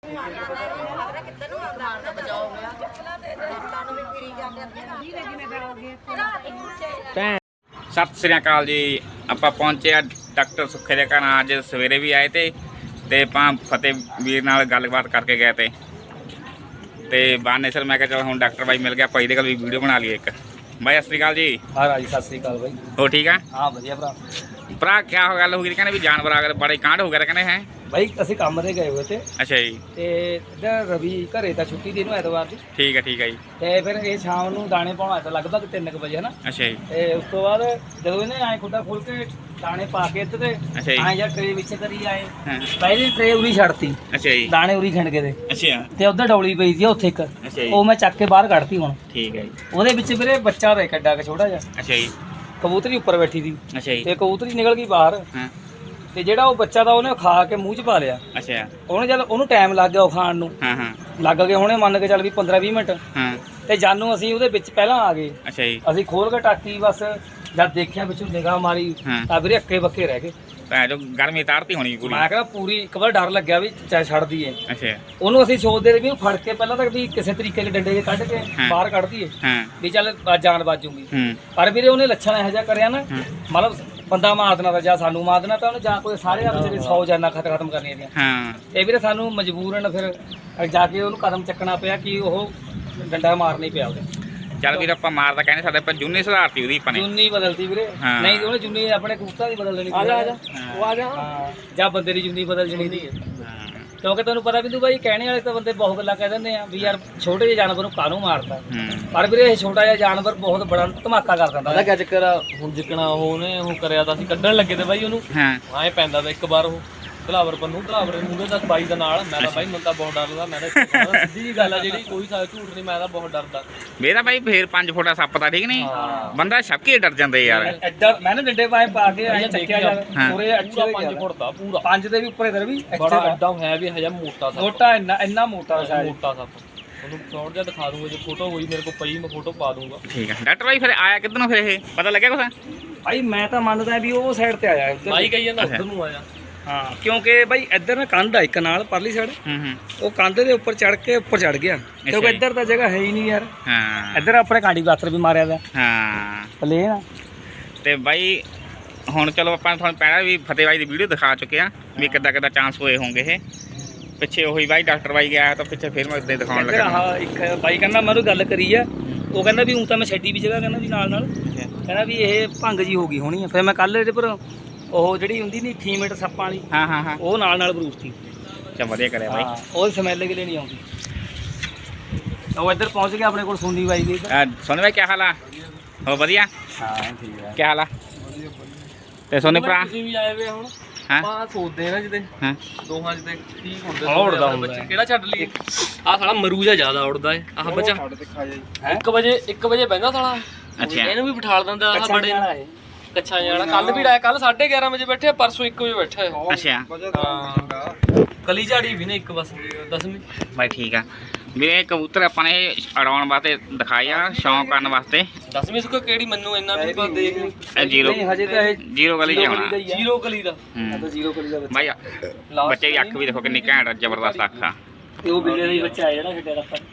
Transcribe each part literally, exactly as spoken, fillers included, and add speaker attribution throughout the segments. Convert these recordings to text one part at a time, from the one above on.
Speaker 1: सत श्री अकाल जी। ਆਪਾਂ ਪਹੁੰਚੇ ਆ ਡਾਕਟਰ ਸੁੱਖੇ ਦੇ ਘਰ। ਅੱਜ ਸਵੇਰੇ ਵੀ ਆਏ ਤੇ ਤੇ ਆਪਾਂ ਫਤਿਹ ਵੀਰ ਨਾਲ ਗੱਲਬਾਤ ਕਰਕੇ ਗਏ ਤੇ ਤੇ ਬਾਨੇ ਸਰ ਮੈਂ ਕਿਹਾ ਚਲ ਹੁਣ ਡਾਕਟਰ ਬਾਈ ਮਿਲ ਗਿਆ, ਭਾਈ ਦੇ ਕੋਲ ਵੀ ਵੀਡੀਓ ਬਣਾ ਲਈਏ ਇੱਕ। ਬਾਈ ਸਤਿ श्री अकाल जी।
Speaker 2: हाँ राजी सत श्री अकाल भाई।
Speaker 1: हो ठीक है?
Speaker 2: हाँ बढ़िया भरा।
Speaker 1: भरा क्या हो गल हो गई कहने भी जानवर आ गए बड़े कांड हो गए कहने हैं
Speaker 2: भाई ਅਸੀਂ ਕੰਮ ਤੇ ਗਏ ਹੋਏ ਤੇ।
Speaker 1: ਅੱਛਾ ਜੀ।
Speaker 2: ਤੇ ਇੱਧਰ ਰਵੀ ਘਰੇ ਤਾਂ ਛੁੱਟੀ ਦੀ ਨੂੰ ਐਤਵਾਰ ਦੀ।
Speaker 1: ਠੀਕ ਹੈ ਠੀਕ ਹੈ ਜੀ।
Speaker 2: ਤੇ ਫਿਰ ਇਹ ਸ਼ਾਮ ਨੂੰ ਦਾਣੇ ਪਾਉਣ ਆਇਆ ਤਾਂ ਲਗਭਗ ਤਿੰਨ ਕੁ ਵਜੇ ਹਨਾ।
Speaker 1: ਅੱਛਾ ਜੀ।
Speaker 2: ਤੇ ਉਸ ਤੋਂ ਬਾਅਦ ਜਦੋਂ ਇਹਨੇ ਐਂ ਖੁੱਡਾ ਖੋਲ ਕੇ ਦਾਣੇ ਪਾ ਕੇ ਇੱਧਰ ਤੇ
Speaker 1: ਅੱਛਾ ਜੀ।
Speaker 2: ਐਂ ਜਾਂ ਟਰੇ ਵਿੱਚ ਕਰੀ ਆਏ।
Speaker 1: ਹਾਂ।
Speaker 2: ਪਹਿਲੀ ਟਰੇ ਉਰੀ ਛੱਡਤੀ।
Speaker 1: ਅੱਛਾ ਜੀ।
Speaker 2: ਦਾਣੇ ਉਰੀ ਖਿੰਡ ਕੇ ਦੇ।
Speaker 1: ਅੱਛਾ।
Speaker 2: ਤੇ ਉੱਧਰ ਡੌਲੀ ਪਈ ਸੀ ਉੱਥੇ ਇੱਕ।
Speaker 1: ਅੱਛਾ ਜੀ।
Speaker 2: ਉਹ ਮੈਂ ਚੱਕ ਕੇ ਬਾਹਰ ਕੱਢਤੀ ਹੁਣ।
Speaker 1: ਠੀਕ ਹੈ ਜੀ।
Speaker 2: ਉਹਦੇ ਵਿੱਚ ਵੀਰੇ ਬੱਚਾ ਦਾ ਕੱਡਾ ਕੇ ਛੋਟਾ ਜਿਹਾ।
Speaker 1: ਅੱਛਾ ਜੀ।
Speaker 2: ਕਬੂਤਰੀ ਉੱਪਰ ਬੈਠੀ ਸੀ
Speaker 1: ਅੱਛਾ ਜੀ।
Speaker 2: ਤੇ ਕਬੂਤਰੀ ਨਿਕਲ ਗਈ ਬਾਹਰ।
Speaker 1: ਹਾਂ।
Speaker 2: ਤੇ ਜਿਹੜਾ ਉਹ ਬੱਚਾ ਦਾ ਉਹਨੇ ਖਾ ਕੇ ਮੂੰਹ 'ਚ ਪਾ ਲਿਆ।
Speaker 1: ਅੱਛਾ।
Speaker 2: ਉਹਨੇ ਜਦ ਉਹਨੂੰ ਟਾਈਮ ਲੱਗ ਗਿਆ ਉਹ ਖਾਣ ਨੂੰ।
Speaker 1: ਹਾਂ ਹਾਂ।
Speaker 2: ਲੱਗ ਗਏ ਹੁਣੇ ਮੰਨ ਕੇ ਚੱਲ ਵੀ ਪੰਦਰਾਂ ਵੀਹ ਮਿੰਟ।
Speaker 1: ਹਾਂ।
Speaker 2: ਤੇ ਜਾਨੂੰ ਅਸੀਂ ਉਹਦੇ ਵਿੱਚ ਪਹਿਲਾਂ ਆ ਗਏ।
Speaker 1: ਅੱਛਾ ਜੀ।
Speaker 2: ਅਸੀਂ ਖੋਲ ਕੇ ਟਾਕੀ ਬਸ ਜਦ ਦੇਖਿਆ ਵਿੱਚੋਂ ਨਿਗਾਹ ਮਾਰੀ ਤਾਂ ਵੀਰੇ ਅੱਕੇ ਬੱਕੇ ਰਹਿ ਗਏ।
Speaker 1: ਭੈਣ ਜੋ ਗਰਮੀ ਤਾਰਤੀ ਹੋਣੀ ਪੂਰੀ।
Speaker 2: ਮੈਂ ਕਹਿੰਦਾ ਪੂਰੀ ਇੱਕ ਵਾਰ ਡਰ ਲੱਗਿਆ ਵੀ ਚਾਹੇ ਛੱਡ ਦਈਏ।
Speaker 1: ਅੱਛਾ।
Speaker 2: ਉਹਨੂੰ ਅਸੀਂ ਸੋਚਦੇ ਰਹੇ ਵੀ ਉਹ ਫੜ ਕੇ ਪਹਿਲਾਂ ਤੱਕ ਵੀ ਕਿਸੇ ਤਰੀਕੇ ਦੇ ਡੰਡੇ 'ਚ ਕੱਢ ਕੇ ਬਾਹਰ ਕੱਢ ਦਈਏ
Speaker 1: ਹਾਂ
Speaker 2: ਵੀ ਚੱਲ ਜਾਨ ਬਾਜੂਗੀ।
Speaker 1: ਹੂੰ।
Speaker 2: ਪਰ ਵੀਰੇ ਉਹਨੇ ਲੱਛਣ ਇਹੋ ਜਿਹਾ ਕਰਿਆ ਨਾ, ਮਤਲਬ ਬੰਦਾ ਮਾਰ ਦੇਣਾ ਤਾਂ ਜਾਂ ਸਾਨੂੰ ਮਾਰ ਦੇਣਾ ਤਾਂ ਉਹਨੇ ਜਾਂ ਕੋਈ ਸਾਰੇ ਆਪ ਜਿਹੜੇ ਸੌ ਜਾਨਾਂ ਖਤ ਖਤਮ ਕਰਨੀਆਂ ਦੀਆਂ।
Speaker 1: ਹਾਂ।
Speaker 2: ਇਹ ਵੀਰੇ ਸਾਨੂੰ ਮਜਬੂਰਨ ਫਿਰ ਜਾ ਕੇ ਉਹਨੂੰ ਕਦਮ ਚੱਕਣਾ ਪਿਆ ਕਿ ਉਹ ਡੰਡਾ ਮਾਰਨਾ ਹੀ ਪਿਆ ਉਹਦੇ।
Speaker 1: ਚੱਲ ਵੀਰ ਆਪਾਂ ਮਾਰਦਾ ਕਹਿੰਦੇ ਸਾਡੇ ਪਰ ਜੁੰਨੀ ਸੁਧਾਰਤੀ ਉਹਦੀ ਆਪਾਂ ਨੇ।
Speaker 2: ਜੁੰਨੀ ਬਦਲਤੀ ਵੀਰੇ।
Speaker 1: ਹਾਂ।
Speaker 2: ਨਹੀਂ ਉਹਨੇ ਜੁੰਨੀ ਆਪਣੇ ਕਬੂਤਰਾਂ ਦੀ ਬਦਲ ਦੇਣੀ।
Speaker 3: ਆ ਜਾ ਆ ਜਾ ਉਹ ਆ ਜਾ।
Speaker 2: ਹਾਂ ਜਾਂ ਬੰਦੇ ਦੀ ਜੁੰਨੀ ਬਦਲ ਜਣੀ ਦੀ।
Speaker 1: ਹਾਂ।
Speaker 2: ਕਿਉਂਕਿ ਤੁਹਾਨੂੰ ਪਤਾ ਬਿੰਦੂ ਭਾਈ ਕਹਿਣੇ ਵਾਲੇ ਤਾਂ ਬੰਦੇ ਬਹੁਤ ਗੱਲਾਂ ਕਹਿ ਦਿੰਦੇ ਆ ਵੀ ਯਾਰ ਛੋਟੇ ਜਿਹੇ ਜਾਨਵਰ ਨੂੰ ਕਾਹਨੂੰ ਮਾਰਦਾ।
Speaker 1: ਹੂੰ।
Speaker 2: ਪਰ ਵੀਰੇ ਇਹ ਛੋਟਾ ਜਿਹਾ ਜਾਨਵਰ ਬਹੁਤ ਬੜਾ ਧਮਾਕਾ ਕਰ ਦਿੰਦਾ।
Speaker 3: ਪਤਾ ਕਿਆ ਚੱਕਰ ਆ ਹੁਣ ਜਿੱਕਣਾ ਉਹਨੇ ਉਹ ਕਰਿਆ ਤਾਂ ਅਸੀਂ ਕੱਢਣ ਲੱਗੇ ਤੇ ਬਾਈ ਉਹਨੂੰ
Speaker 1: ਹਾਂ।
Speaker 3: ਐਂ ਪੈਂਦਾ ਤਾਂ ਇੱਕ ਵਾਰ ਉਹ ਘਲਾਵਰ ਪੰਨੂ ਘਲਾਵਰ ਦੇ ਮੂਹਰੇ ਤੱਕ ਬਾਈ ਦਾ ਨਾਲ ਮੈਂ ਤਾਂ ਬਾਈ ਮੈਨੂੰ ਤਾਂ ਬਹੁਤ ਡਰ ਲੱਗਦਾ। ਮੈਂ ਤਾਂ ਸਿੱਧੀ ਜੀ ਗੱਲ ਆ ਜਿਹੜੀ ਕੋਈ ਸਾ ਝੂਠ ਨਹੀਂ, ਮੈਂ ਤਾਂ ਬਹੁਤ ਡਰਦਾ।
Speaker 1: ਮੇਰਾ ਭਾਈ ਫੇਰ ਪੰਜ ਫੁੱਟਾ ਸੱਪ ਦਾ ਠੀਕ ਨਹੀਂ ਬੰਦਾ ਛੱਕੇ ਡਰ ਜਾਂਦੇ ਯਾਰ।
Speaker 2: ਐਡਾ ਮੈਂ ਨਾ ਡੰਡੇ ਪਾਏ ਪਾ ਕੇ ਐਂ ਚੱਕਿਆ ਯਾਰ ਪੂਰੇ
Speaker 3: ਪੂਰਾ ਪੰਜ ਫੁੱਟ ਦਾ ਪੂਰਾ
Speaker 2: ਪੰਜ ਦੇ ਵੀ ਉੱਪਰ ਇਧਰ ਵੀ
Speaker 3: ਬੜਾ ਐਡਾ ਹੈ ਵੀ ਹਜਾ ਮੋਟਾ ਸੱਪ।
Speaker 2: ਮੋਟਾ ਇੰਨਾ ਇੰਨਾ ਮੋਟਾ ਸ਼ਾਇਦ।
Speaker 3: ਮੋਟਾ ਸੱਪ ਉਹਨੂੰ ਸ਼ਾਰਟ ਜਿਹਾ ਦਿਖਾ ਦੂੰਗਾ, ਜੇ ਫੋਟੋ ਹੋਈ ਮੇਰੇ ਕੋਲ ਪਈ ਮੈਂ ਫੋਟੋ ਪਾ ਦੂੰਗਾ।
Speaker 1: ਠੀਕ ਹੈ ਡਾਕਟਰ ਭਾਈ ਫਿਰ ਆਇਆ ਕਿੱਧਰੋਂ ਫਿਰ ਇਹ ਪਤਾ ਲੱਗਿਆ ਕੁਛ?
Speaker 2: ਭਾਈ ਮੈਂ ਤਾਂ ਮੰਨਦਾ ਵੀ ਉਹ ਸਾਈਡ ਤੇ ਆਇਆ ਇੱਧਰ।
Speaker 3: ਬਾਈ ਕਹੀ ਜਾਂਦਾ ਉੱਧਰ ਨੂੰ ਆਇਆ।
Speaker 2: ਹਾਂ ਕਿਉਂਕਿ ਬਾਈ ਇੱਧਰ ਨਾ ਕੰਧ ਆ ਇੱਕ ਨਾਲ ਪਰਲੀ ਸਾਈਡ।
Speaker 1: ਹੂੰ ਹੂੰ।
Speaker 2: ਉਹ ਕੰਧ ਦੇ ਉੱਪਰ ਚੜ ਕੇ ਉੱਪਰ ਚੜ ਗਿਆ ਕਿਉਂਕਿ ਇੱਧਰ ਤਾਂ ਜਗ੍ਹਾ ਹੈ ਹੀ ਨਹੀਂ ਯਾਰ।
Speaker 1: ਹਾਂ।
Speaker 2: ਇੱਧਰ ਆਪਣੇ ਕਾਂਡੀ ਬਾਤਰ ਵੀ ਮਾਰਿਆ ਦਾ
Speaker 1: ਹਾਂ।
Speaker 2: ਪਲੇਨ ਆ।
Speaker 1: ਤੇ ਬਾਈ ਹੁਣ ਚਲੋ ਆਪਾਂ ਤੁਹਾਨੂੰ ਪਹਿਲਾਂ ਵੀ ਫਤਿਹ ਬਾਈ ਦੀ ਵੀਡੀਓ ਦਿਖਾ ਚੁੱਕੇ ਆ ਵੀ ਕਿੱਦਾਂ ਕਿੱਦਾਂ ਚਾਂਸ ਹੋਏ ਹੋਣਗੇ। ਇਹ ਪਿੱਛੇ ਉਹੀ ਬਾਈ ਡਾਕਟਰ ਬਾਈ ਗਿਆ ਤਾਂ ਪਿੱਛੇ ਫਿਰ ਮੈਂ ਇੱਦਾਂ ਦਿਖਾਉਣ
Speaker 2: ਇੱਧਰ
Speaker 1: ਲੱਗਾ।
Speaker 2: ਆਹ ਇੱਕ ਬਾਈ ਕਹਿੰਦਾ ਮੈਂ ਉਹਨੂੰ ਗੱਲ ਕਰੀ ਆ, ਉਹ ਕਹਿੰਦਾ ਵੀ ਊਂ ਤਾਂ ਮੈਂ ਛੱਡੀ ਵੀ ਜਗ੍ਹਾ ਕਹਿੰਦਾ ਵੀ ਨਾਲ ਨਾਲ ਕਹਿੰਦਾ ਵੀ ਇਹ ਭੰਗ ਜੀ ਹੋ ਗਈ ਹੋਣੀ ਆ। ਫਿਰ ਮੈਂ ਕੱਲ ਇਹਦੇ ਪਰ ਉਹ ਜਿਹੜੀ ਹੁੰਦੀ ਨਹੀਂ ਫੀਮੇਟ ਸੱਪਾਂ ਵਾਲੀ
Speaker 1: ਹਾਂ ਹਾਂ ਹਾਂ
Speaker 2: ਉਹ ਨਾਲ ਨਾਲ ਬਰੂਸਤੀ।
Speaker 1: ਚਾ ਵਧੀਆ ਕਰਿਆ ਬਾਈ।
Speaker 2: ਹਾਂ ਉਹ ਸਮੈਲ ਕੇ ਲਈ ਨਹੀਂ ਆਉਂਦੀ। ਉਹ ਇੱਧਰ ਪਹੁੰਚ ਗਿਆ ਆਪਣੇ ਕੋਲ ਸੋਨੀ ਬਾਈ ਦੀ।
Speaker 1: ਸੋਨੀ ਬਾਈ ਕੀ ਹਾਲ ਆ? ਹੋ ਵਧੀਆ?
Speaker 2: ਹਾਂ ਠੀਕ ਹੈ।
Speaker 1: ਕੀ ਹਾਲ ਆ? ਤੇ ਸੋਨੀ ਭਰਾ
Speaker 3: ਤੁਸੀਂ ਵੀ ਆਏ ਵੇ ਹੁਣ
Speaker 1: ਹਾਂ
Speaker 3: ਆਪਾਂ ਸੋਚਦੇ ਨਾ ਜਿਹਦੇ
Speaker 1: ਹਾਂ
Speaker 3: ਦੋਹਾਂ ਜਿਹਦੇ ਠੀਕ ਹੁੰਦੇ
Speaker 2: ਉੜਦਾ ਹੁੰਦਾ
Speaker 3: ਬੱਚੇ ਕਿਹੜਾ ਛੱਡ ਲਈਏ। ਆਹ ਸਾਲਾ ਮਰੂ ਜਾ ਜ਼ਿਆਦਾ ਉੜਦਾ ਏ ਆਹ ਬੱਚਾ। ਇੱਕ ਵਜੇ ਇੱਕ ਵਜੇ ਬਹਿੰਦਾ ਸਾਲਾ।
Speaker 1: ਅੱਛਾ।
Speaker 3: ਇਹਨੂੰ ਵੀ ਬਿਠਾ ਦਿੰਦਾ ਆਹ ਬੜੇ ਕੱਛਾ ਜਾਣਾ। ਕੱਲ ਵੀ ਆਇਆ ਕੱਲ ਸਾਢੇ ਗਿਆਰਾਂ ਵਜੇ ਬੈਠੇ, ਪਰਸੋਂ ਇੱਕ ਵਜੇ ਬੈਠੇ।
Speaker 1: ਅੱਛਾ
Speaker 3: ਹਾਂ ਕਲੀ ਝਾੜੀ ਵੀ ਨੇ ਇੱਕ ਬਸ ਦਸਵੀਂ।
Speaker 1: ਬਾਈ ਠੀਕ ਆ ਵੀਰੇ। ਕਬੂਤਰ ਆਪਾਂ ਨੇ ਉਡਾਉਣ ਵਾਸਤੇ ਦਿਖਾਏ ਆ, ਸ਼ੌਂਕ ਕਰਨ ਵਾਸਤੇ।
Speaker 3: ਦਸਵੀਂ ਸੁੱਕਾ ਕਿਹੜੀ ਮੈਨੂੰ ਇੰਨਾ ਵੀ ਪਤਾ ਦੇਖ ਲਈ।
Speaker 1: ਇਹ ਜ਼ੀਰੋ
Speaker 2: ਨਹੀਂ ਹਜੇ ਤਾਂ ਇਹ
Speaker 1: ਜ਼ੀਰੋ ਗਲੀ ਚ ਆਉਣਾ।
Speaker 3: ਜ਼ੀਰੋ ਕਲੀ ਦਾ
Speaker 2: ਮੈਂ ਤਾਂ ਜ਼ੀਰੋ ਕਰੀ ਦਾ ਬੱਚਾ।
Speaker 1: ਬਾਈ ਬੱਚੇ ਦੀ ਅੱਖ ਵੀ ਦੇਖੋ ਕਿੰਨੀ ਘੈਂਟ ਜ਼ਬਰਦਸਤ ਅੱਖ ਆ।
Speaker 2: ਤੇ ਉਹ ਬਿੱਲੇ ਦਾ ਹੀ ਬੱਚਾ ਆ ਜਿਹੜਾ ਛੱਡਿਆ ਦਾ ਆਪਾਂ।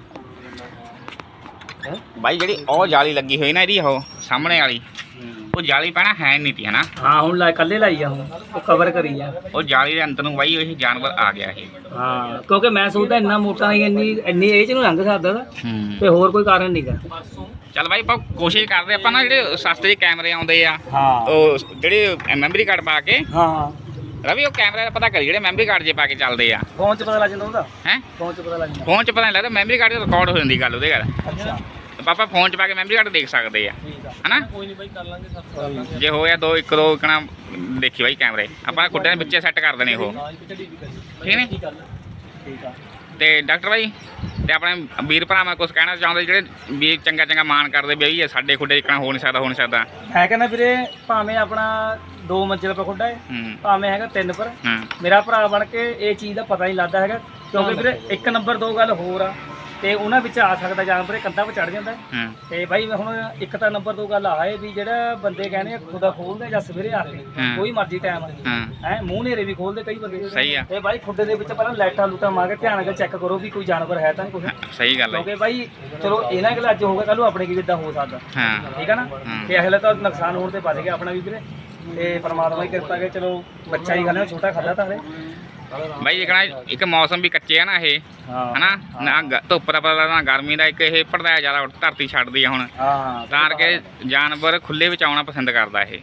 Speaker 1: ਬਾਈ ਜਿਹੜੀ ਉਹ ਜਾਲੀ ਲੱਗੀ ਹੋਈ ਨਾ ਇਹਦੀ ਉਹ ਸਾਹਮਣੇ ਵਾਲੀ, ਉਹ ਜਾਲੀ ਪੈਣਾ ਹੈ ਨਹੀਂ ਤੀ ਹਨਾ।
Speaker 2: ਹਾਂ ਹੁਣ ਲਾ ਕੱਲੇ ਲਾਈ ਆ ਹੁਣ ਉਹ ਕਵਰ ਕਰੀ ਆ।
Speaker 1: ਉਹ ਜਾਲੀ ਦੇ ਅੰਦਰ ਨੂੰ ਬਾਈ ਇਹ ਜਾਨਵਰ ਆ ਗਿਆ ਇਹ।
Speaker 2: ਹਾਂ ਕਿਉਂਕਿ ਮੈਂ ਸੋਚਦਾ ਇੰਨਾ ਮੋਟਾ ਨਹੀਂ ਇੰਨੀ ਇੰਨੀ ਏਜ ਨੂੰ ਲੰਘ ਸਕਦਾ ਦਾ
Speaker 1: ਹੂੰ।
Speaker 2: ਤੇ ਹੋਰ ਕੋਈ ਕਾਰਨ ਨਹੀਂਗਾ।
Speaker 1: ਚੱਲ ਬਾਈ ਆਪਾਂ ਕੋਸ਼ਿਸ਼ ਕਰਦੇ ਆਪਾਂ ਨਾ ਜਿਹੜੇ ਸਸਤੇ ਜਿਹੇ ਕੈਮਰੇ ਆਉਂਦੇ ਆ
Speaker 2: ਹਾਂ
Speaker 1: ਉਹ ਜਿਹੜੇ ਮੈਮਰੀ ਕਾਰਡ ਪਾ ਕੇ
Speaker 2: ਹਾਂ ਹਾਂ
Speaker 1: ਰਵੀ ਉਹ ਕੈਮਰੇ ਦਾ ਪਤਾ ਕਰੀ ਜਿਹੜੇ ਮੈਮਰੀ ਕਾਰਡ ਜੇ ਪਾ ਕੇ ਚੱਲਦੇ ਆ।
Speaker 2: ਫੋਨ 'ਚ ਪਤਾ ਲੱਗ ਜਾਂਦਾ ਉਹਦਾ।
Speaker 1: ਹੈ
Speaker 2: ਫੋਨ 'ਚ ਪਤਾ ਲੱਗ ਜਾਂਦਾ।
Speaker 1: ਫੋਨ 'ਚ ਪਤਾ ਨਹੀਂ ਲੱਗਦਾ, ਮੈਮਰੀ ਕਾਰਡ 'ਚ ਰਿਕਾਰਡ ਹੋ ਜਾਂਦੀ ਗੱਲ ਉਹਦੇ ਗੱਲ।
Speaker 2: ਅੱਛਾ
Speaker 1: ਪਾਪਾ ਫੋਨ 'ਚ ਪਾ ਕੇ ਮੈਮਰੀ ਕਾਰਡ ਦੇਖ ਸਕਦੇ ਆ
Speaker 2: ਠੀਕ ਆ।
Speaker 1: ਹਨਾ।
Speaker 3: ਕੋਈ ਨਹੀਂ ਬਾਈ ਕਰ ਲਾਂਗੇ ਸਭ ਕਰ ਲਾਂਗੇ।
Speaker 1: ਜੇ ਹੋਇਆ ਦੋ ਇੱਕ ਦੋ ਕਣਾ ਦੇਖੀ ਬਾਈ ਕੈਮਰੇ ਆਪਾਂ ਖੁੱਡਿਆਂ ਦੇ ਵਿੱਚੇ ਸੈੱਟ ਕਰ ਦੇਣੇ ਉਹ ਠੀਕ ਨੇ।
Speaker 2: ਠੀਕ ਆ।
Speaker 1: ਤੇ ਡਾਕਟਰ ਬਾਈ ਤੇ ਆਪਣੇ ਵੀਰ ਭਰਾਵਾਂ ਕੁਝ ਕਹਿਣਾ ਚਾਹੁੰਦੇ ਜਿਹੜੇ ਵੀ ਚੰਗਾ ਚੰਗਾ ਮਾਣ ਕਰਦੇ ਵੀ ਇਹ ਸਾਡੇ ਖੁੱਡੇ ਇਕਣਾ ਹੋ ਨਹੀਂ ਸਕਦਾ ਹੋ ਨਹੀਂ ਸਕਦਾ।
Speaker 2: ਮੈਂ ਕਹਿੰਦਾ ਵੀਰੇ ਭਾਵੇਂ ਆਪਣਾ ਦੋ ਮੰਜ਼ਿਲ ਪਰ ਖੁੱਡਾ ਹੈ
Speaker 1: ਹੂੰ
Speaker 2: ਭਾਵੇਂ ਹੈਗਾ ਤਿੰਨ ਪਰ,
Speaker 1: ਹਾਂ
Speaker 2: ਮੇਰਾ ਭਰਾ ਬਣ ਕੇ ਇਹ ਚੀਜ਼ ਦਾ ਪਤਾ ਨਹੀਂ ਲੱਗਦਾ ਹੈਗਾ। ਕਿਉਂਕਿ ਵੀਰੇ ਇੱਕ ਨੰਬਰ ਦੋ ਗੱਲ ਹੋਰ ਆ ਤੇ ਉਹਨਾਂ ਵਿੱਚ ਆ ਸਕਦਾ ਜਾਨਵਰ ਇਹ ਕੰਧਾਂ 'ਤੇ ਚੜ ਜਾਂਦਾ।
Speaker 1: ਹਾਂ
Speaker 2: ਤੇ ਬਾਈ ਮੈਂ ਹੁਣ ਇੱਕ ਤਾਂ ਨੰਬਰ ਦੋ ਗੱਲ ਆਏ ਵੀ ਜਿਹੜਾ ਬੰਦੇ ਕਹਿੰਦੇ ਆ ਖੁਦਾ ਖੋਲਦੇ ਜਾਂ ਸਵੇਰੇ ਆ ਕੇ
Speaker 1: ਹਾਂ।
Speaker 2: ਕੋਈ ਮਰਜ਼ੀ ਟਾਈਮ
Speaker 1: ਹਾਂ
Speaker 2: ਹੈ ਮੂੰਹ ਨੇਰੇ ਵੀ ਖੋਲਦੇ ਕਈ ਬੰਦੇ।
Speaker 1: ਸਹੀ ਆ।
Speaker 2: ਤੇ ਬਾਈ ਖੁੱਡੇ ਦੇ ਵਿੱਚ ਪਹਿਲਾਂ ਲਾਈਟਾਂ ਲੂਟਾਂ ਮਾਰ ਕੇ ਧਿਆਨ ਨਾਲ ਚੈੱਕ ਕਰੋ ਵੀ ਕੋਈ ਜਾਨਵਰ ਹੈ ਤਾਂ ਨਹੀਂ ਕੁਛ। ਸਹੀ
Speaker 1: ਗੱਲ ਹੈ
Speaker 2: ਕਿਉਂਕਿ ਬਾਈ ਚਲੋ ਇਹਨਾਂ ਗੱਲ ਅੱਜ ਹੋਊਗਾ ਕੱਲ ਨੂੰ ਆਪਣੇ ਕੀ ਕਿੱਦਾਂ ਹੋ ਸਕਦਾ।
Speaker 1: ਹਾਂ
Speaker 2: ਠੀਕ ਹੈ ਨਾ ਤੇ ਅਸਲੇ ਤਾਂ ਨੁਕਸਾਨ ਹੋਣ ਤੇ ਬਚ ਗਿਆ ਆਪਣਾ ਵੀ ਵੀਰੇ ਤੇ ਪਰਮਾਤਮਾ ਦੀ ਕਿਰਪਾ ਕੇ ਚਲੋ ਬੱਚਾ ਹੀ ਖਾਣਾ ਛੋਟਾ ਖਾਦਾ ਤਾਂ ਹਲੇ
Speaker 1: ਬਾਈ ਦੇਖਣਾ ਇੱਕ ਮੌਸਮ ਵੀ ਕੱਚੇ ਆ ਨਾ ਇਹ ਹਨਾ ਨਾ ਗ- ਧੁੱਪ ਦਾ ਪਤਾ ਨਾ ਗਰਮੀ ਦਾ ਇੱਕ ਇਹ ਪੜਦਾ ਜ਼ਿਆਦਾ ਧਰਤੀ ਛੱਡਦੀ ਆ ਹੁਣ
Speaker 2: ਹਾਂ
Speaker 1: ਤਾਂ ਕਰਕੇ ਜਾਨਵਰ ਖੁੱਲੇ ਵਿੱਚ ਆਉਣਾ ਪਸੰਦ ਕਰਦਾ ਇਹ।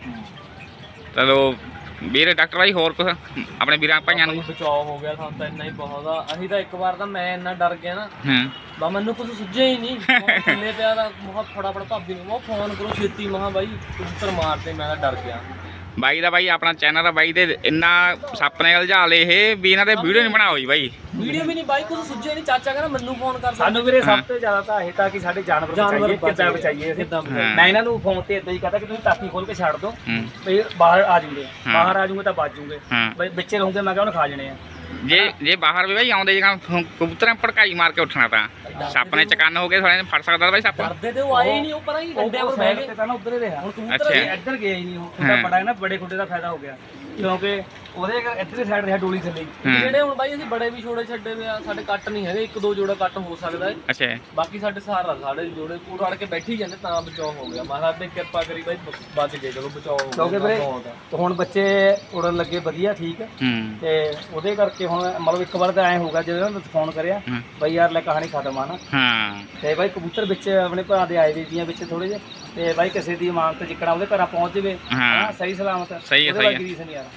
Speaker 1: ਚਲੋ ਵੀਰੇ ਡਾਕਟਰ ਬਾਈ ਹੋਰ ਕੁਝ ਆਪਣੇ ਵੀਰਾਂ ਭਾਈਆਂ ਨੂੰ
Speaker 3: ਬਚਾਅ ਹੋ ਗਿਆ ਸਾਨੂੰ ਤਾਂ ਇੰਨਾ ਹੀ ਬਹੁਤ ਆ। ਅਸੀਂ ਤਾਂ ਇੱਕ ਵਾਰ ਤਾਂ ਮੈਂ ਇੰਨਾ ਡਰ ਗਿਆ ਨਾ
Speaker 1: ਹਾਂ
Speaker 3: ਬਾ ਮੈਨੂੰ ਕੁਝ ਸੁੱਝਿਆ ਹੀ ਨਹੀਂ। ਮੈਂ ਥੱਲੇ ਪਿਆ ਤਾਂ ਬਹੁਤ ਫਟਾਫਟ ਭਾਬੀ ਨੂੰ ਮੈਂ ਫੋਨ ਕਰੋ ਛੇਤੀ ਮਹਾ ਬਾਈ ਕਬੂਤਰ ਮਾਰਦੇ ਮੈਂ ਤਾਂ ਡਰ ਗਿਆ।
Speaker 1: ਬਾਈ ਦਾ ਬਾਈ ਆਪਣਾ ਚੈਨਲ ਆ ਬਾਈ ਦੇ ਇੰਨਾ ਸੱਪ ਨੇ ਉਲਝਾ ਲਏ ਇਹ ਵੀ ਇਹਨਾਂ ਦੇ ਵੀਡੀਓ ਨਹੀਂ ਬਣਾਓ ਜੀ ਬਾਈ।
Speaker 3: ਵੀਡੀਓ ਵੀ ਨਹੀਂ ਬਾਈ ਕੁਝ ਸੁੱਝਿਆ ਨਹੀਂ। ਚਾਚਾ ਕਹਿੰਦਾ ਮੈਨੂੰ ਫੋਨ ਕਰ
Speaker 2: ਸਾਨੂੰ ਵੀਰੇ ਸਭ ਤੋਂ ਜ਼ਿਆਦਾ ਤਾਂ ਇਹ ਤਾਂ ਕਿ ਸਾਡੇ ਜਾਨਵਰ ਬਚਾਈਏ ਕਿੱਦਾਂ ਬਚਾਈਏ ਅਸੀਂ। ਮੈਂ ਇਹਨਾਂ ਨੂੰ ਫੋਨ ਤੇ ਇਦਾਂ ਹੀ ਕਹਤਾ ਕਿ ਤੁਸੀਂ ਟਾਕੀ ਖੋਲ ਕੇ ਛੱਡ ਦਿਓ
Speaker 1: ਹੂੰ
Speaker 2: ਵੀ ਬਾਹਰ ਆ ਜੂਗੇ
Speaker 1: ਹਾਂ।
Speaker 2: ਬਾਹਰ ਆ ਜੂਗੇ ਤਾਂ ਬਚ ਜੂਗੇ
Speaker 1: ਹਾਂ
Speaker 2: ਬਈ ਵਿੱਚੇ ਰਹੋਗੇ ਮੈਂ ਕਿਹਾ ਉਹਨੂੰ ਖਾ ਜਣੇ ਆ।
Speaker 1: ਜੇ ਜੇ ਬਾਹਰ ਵੀ ਬਾਈ ਆਉਂਦੇ ਜਿਹੜਾ ਕਬੂਤਰਾਂ ਭੜਕਾਈ ਮਾਰ ਕੇ ਉੱਠਣਾ ਤਾਂ ਸੱਪ ਨੇ ਚਕੰਨ ਹੋ ਕੇ ਥੋੜੇ ਫੜ ਸਕਦਾ ਬਾਈ ਸੱਪ।
Speaker 3: ਡਰਦੇ ਤੇ ਉਹ ਆਏ ਹੀ ਨਹੀਂ ਉਹ ਪਰਾਂ ਹੀ ਡੰਡਿਆਂ ਪਰ ਬਹਿ ਗਏ।
Speaker 2: ਤੇ ਤਾਂ ਨਾ ਉੱਧਰ ਹੀ ਰਿਹਾ
Speaker 3: ਹੁਣ
Speaker 1: ਅੱਛਾ।
Speaker 3: ਕਬੂਤਰ
Speaker 2: ਇਹ ਇੱਧਰ ਗਿਆ ਹੀ ਨਹੀਂ ਉਹ ਉਹਦਾ
Speaker 1: ਹਾਂ।
Speaker 2: ਬੜਾ ਹੈ ਨਾ ਬੜੇ ਖੁੱਡੇ ਦਾ ਫਾਇਦਾ ਹੋ ਗਿਆ ਕਿਉਂਕਿ ਉਹਦੇ ਇੱਧਰ ਸਾਈਡ ਰਿਹਾ ਡੋਲੀ ਥੱਲੇ ਹੀ।
Speaker 1: ਹਾਂ।
Speaker 3: ਜਿਹੜੇ ਹੁਣ ਬਾਈ ਅਸੀਂ ਬੜੇ ਵੀ ਛੋੜੇ ਛੱਡੇ ਹੋਏ ਆ ਸਾਡੇ ਕੱਟ ਨਹੀਂ ਹੈਗੇ ਇੱਕ ਦੋ ਜੋੜਾ ਕੱਟ ਹੋ ਸਕਦਾ ਹੈ।
Speaker 1: ਅੱਛਾ
Speaker 3: ਬਾਕੀ ਸਾਡੇ ਸਾਰਾ ਸਾਡੇ ਜੋੜੇ ਪੂਰ ਅੜ ਕੇ ਬੈਠੀ ਜਾਂਦੇ ਤਾਂ ਬਚਾਅ ਹੋ ਗਿਆ। ਮਹਾਰਾਜ ਨੇ ਕਿਰਪਾ ਕਰੀ ਬਾਈ ਬ- ਬਚ ਗਏ ਚਲੋ ਬਚਾਅ ਹੋ
Speaker 2: ਕਿਉਂਕਿ
Speaker 3: ਗਿਆ
Speaker 2: ਵੀਰੇ
Speaker 3: ਬਹੁਤ ਆ।
Speaker 2: ਤੇ ਹੁਣ ਬੱਚੇ ਉੜਨ ਲੱਗੇ ਵਧੀਆ ਠੀਕ ਹੈ
Speaker 1: ਹੂੰ
Speaker 2: ਤੇ ਉਹਦੇ ਕਰਕੇ ਹੁਣ ਮਤਲਬ ਇੱਕ ਵਾਰ ਤਾਂ ਐ ਹੋਊਗਾ ਜਦੋਂ ਮੈਂ ਫੋਨ ਕਰਿਆ
Speaker 1: ਹਾਂ।
Speaker 2: ਬਈ ਯਾਰ ਲੈ ਕਹਾਣੀ ਖਤਮ ਆ ਨਾ
Speaker 1: ਹਾਂ
Speaker 2: ਤੇ ਬਾਈ ਕਬੂਤਰ ਵਿੱਚ ਆਪਣੇ ਭਰਾ ਦੇ ਆਏ ਵੀ ਦੀਆਂ ਵਿੱਚ ਥੋੜੇ ਜਿਹੇ ਤੇ ਬਾਈ ਕਿਸੇ ਦੀ ਇਮਾਨਤ ਜਿੱਕਣਾ ਉਹਦੇ ਘਰਾਂ ਪਹੁੰਚ ਜਵੇ
Speaker 1: ਹਾਂ।
Speaker 2: ਸਹੀ ਸਲਾਮਤ
Speaker 1: ਸਹੀ ਹੈ,
Speaker 2: ਉਹਦੇ
Speaker 1: ਸਹੀ
Speaker 2: ਬਾਕੀ
Speaker 1: ਹੈ।
Speaker 2: ਰੀਸ ਨਹੀਂ ਯਾਰ।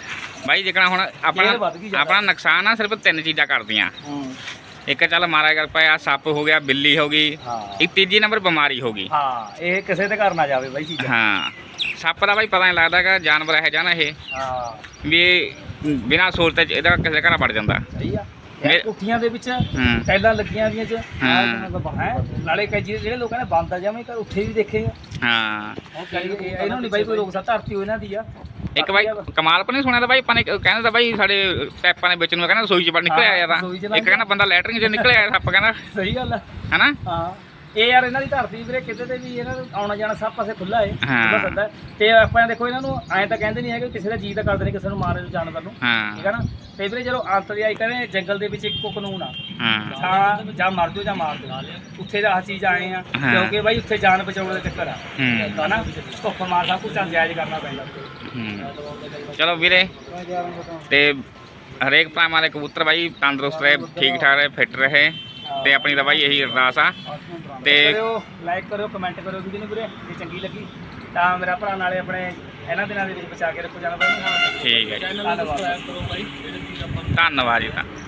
Speaker 1: ਬਾਈ ਜਿਕਣਾ ਹੁਣ
Speaker 2: ਇਹ
Speaker 1: ਆਪਣਾ
Speaker 2: ਵੱਧ ਗਈ ਜ਼ਿਆਦਾ।
Speaker 1: ਆਪਣਾ ਨੁਕਸਾਨ ਆ ਸਿਰਫ ਤਿੰਨ ਚੀਜ਼ਾਂ ਕਰਦੀਆਂ।
Speaker 2: ਹੂੰ
Speaker 1: ਇੱਕ ਚੱਲ ਮਾਰਾ ਕਰ ਪਿਆ ਸੱਪ ਹੋ ਗਿਆ ਬਿੱਲੀ ਹੋ ਗਈ
Speaker 2: ਹਾਂ
Speaker 1: ਇੱਕ ਤੀਜੀ ਨੰਬਰ ਬਿਮਾਰੀ ਹੋ ਗਈ।
Speaker 2: ਹਾਂ ਇਹ ਕਿਸੇ ਦੇ ਘਰ ਨਾ ਜਾਵੇ ਬਾਈ ਚੀਜ਼ਾਂ।
Speaker 1: ਹਾਂ ਸੱਪ ਦਾ ਬਾਈ ਪਤਾ ਨਹੀਂ ਲੱਗਦਾ ਕਿ ਜਾਨਵਰ ਇਹ ਜਾਣਾ ਇਹ
Speaker 2: ਹਾਂ
Speaker 1: ਵੀ ਬਿਨਾਂ ਸੋਚਤੇ ਚ ਇਹਦਾ ਕਿਸੇ ਦੇ ਘਰ ਵੜ ਜਾਂਦਾ।
Speaker 2: ਸਹੀ ਆ
Speaker 1: ਮੇ-
Speaker 2: ਯਾਰ ਕੁੱਠੀਆਂ ਦੇ ਵਿੱਚ
Speaker 1: ਹੂੰ
Speaker 2: ਟੈਲਾਂ ਲੱਗੀਆਂ ਵੀਆਂ ਚ
Speaker 1: ਹਾਂ।
Speaker 2: ਹੈ ਨਾਲੇ ਕਈ ਜਿਹੜੇ ਜਿਹੜੇ ਲੋਕਾਂ ਨੇ ਬੰਦ ਆ ਜਾਵੇਂ ਘਰ ਉੱਥੇ ਵੀ ਦੇਖੇ ਆ।
Speaker 1: ਹਾਂ
Speaker 2: ਹੁਣ ਕਈ ਇਹਨਾਂ ਨਹੀਂ ਬਾਈ ਕੋਈ ਰੋਕ ਸਕਦਾ ਧਰਤੀ ਇਹਨਾਂ ਦੀ ਆ।
Speaker 1: ਇੱਕ ਬਾਈ ਕਮਾਲ ਪਰ ਨਹੀਂ ਸੁਣਿਆ ਤਾਂ ਬਾਈ ਆਪਾਂ ਨੇ ਕਹਿੰਦਾ ਤਾਂ ਬਾਈ ਸਾਡੇ ਪੈਪਾਂ ਦੇ ਵਿੱਚ ਨੂੰ ਕਹਿੰਦਾ ਰਸੋਈ ਚ ਵੜ ਨਿਕਲਿਆ ਆਇਆ ਤਾਂ
Speaker 2: ਰਸੋਈ ਚ
Speaker 1: ਇੱਕ ਕਹਿੰਦਾ ਬੰਦਾ ਲੈਟਰਿੰਗ ਚ ਨਿਕਲਿਆ ਆਇਆ ਸੱਪ ਕਹਿੰਦਾ
Speaker 2: ਸਹੀ ਗੱਲ ਆ
Speaker 1: ਹਨਾ।
Speaker 2: ਹਾਂ ਇਹ ਯਾਰ ਇਹਨਾਂ ਦੀ ਧਰਤੀ ਵੀਰੇ ਕਿਤੇ ਤੇ ਵੀ ਇਹਨਾਂ ਨੂੰ ਆਉਣਾ ਜਾਣਾ ਸਭ ਪਾਸੇ ਖੁੱਲਾ ਏ
Speaker 1: ਹਾਂ।
Speaker 2: ਖੁੱਲਾ ਸੱਦਾ ਹੈ। ਤੇ ਆਪਾਂ ਦੇਖੋ ਇਹਨਾਂ ਨੂੰ ਐਂ ਤਾਂ ਕਹਿੰਦੇ ਨਹੀਂ ਹੈਗੇ ਕਿਸੇ ਦਾ ਜੀ ਤਾਂ ਕਰਦੇ ਨਹੀਂ ਕਿਸੇ ਨੂੰ ਮਾਰੇ ਨੂੰ ਜਾਨਵਰ ਨੂੰ
Speaker 1: ਹਾਂ
Speaker 2: ਠੀਕ ਹੈ ਨਾ। ਤੇ ਵੀਰੇ ਜਦੋਂ ਅੰਤਰਜਾਈ ਕਹਿੰਦੇ ਜੰਗਲ ਦੇ ਵਿੱਚ ਇੱਕੋ ਕਾਨੂੰਨ ਆ
Speaker 1: ਹਾਂ
Speaker 2: ਜਾਂ ਜਾਂ ਮਰ ਜਾਓ ਜਾਂ ਮਾਰ ਦਿਓ। ਉੱਥੇ ਦਾ ਆਹ ਚੀਜ਼ ਆਏ ਆ
Speaker 1: ਹਾਂ।
Speaker 2: ਕਿਉਂਕਿ ਬਾਈ ਉੱਥੇ ਜਾਨ ਬਚਾਉਣ ਦਾ ਚੱਕਰ ਆ
Speaker 1: ਹੂੰ
Speaker 2: ਹਨਾ ਧੁੱਪ ਮਾਰ ਸਭ ਕੁਝ ਜਾਇਜ਼ ਕਰਨਾ ਪੈਂਦਾ।
Speaker 1: ਹੂੰ ਚਲੋ ਵੀਰੇ ਤੇ ਹਰੇਕ ਭਰਾਵਾਂ ਦੇ ਕਬੂਤਰ ਬਾਈ ਤੰਦਰੁਸਤ ਰਹੇ ਠੀਕ ਠਾਕ ਰਹੇ ਫਿੱਟ ਰਹੇ ਤੇ ਆਪਣੀ ਤਾਂ ਬਾਈ ਇਹੀ ਅਰਦਾਸ ਆ ਤੇ
Speaker 2: ਕਰਿਓ ਲਾਈਕ ਕਰਿਓ ਕਮੈਂਟ ਕਰਿਓ ਵੀਡੀਓ ਨੂੰ ਵੀਰੇ ਜੇ ਚੰਗੀ ਲੱਗੀ ਤਾਂ ਮੇਰਾ ਭਰਾ ਨਾਲੇ ਆਪਣੇ ਇਹਨਾਂ ਦਿਨਾਂ ਦੇ ਵਿੱਚ ਬਚਾ ਕੇ ਰੱਖੋ ਜਾਨਵਰ ਨੂੰ।
Speaker 1: ਠੀਕ ਹੈ ਜੀ
Speaker 3: ਚੈਨਲ ਨੂੰ ਸਬਸਕ੍ਰਾਈਬ ਕਰੋ ਬਾਈ ਜਿਹੜੇ ਚੀਜ਼ ਆਪਾਂ
Speaker 1: ਧੰਨਵਾਦ ਜੀ ਤਾਂ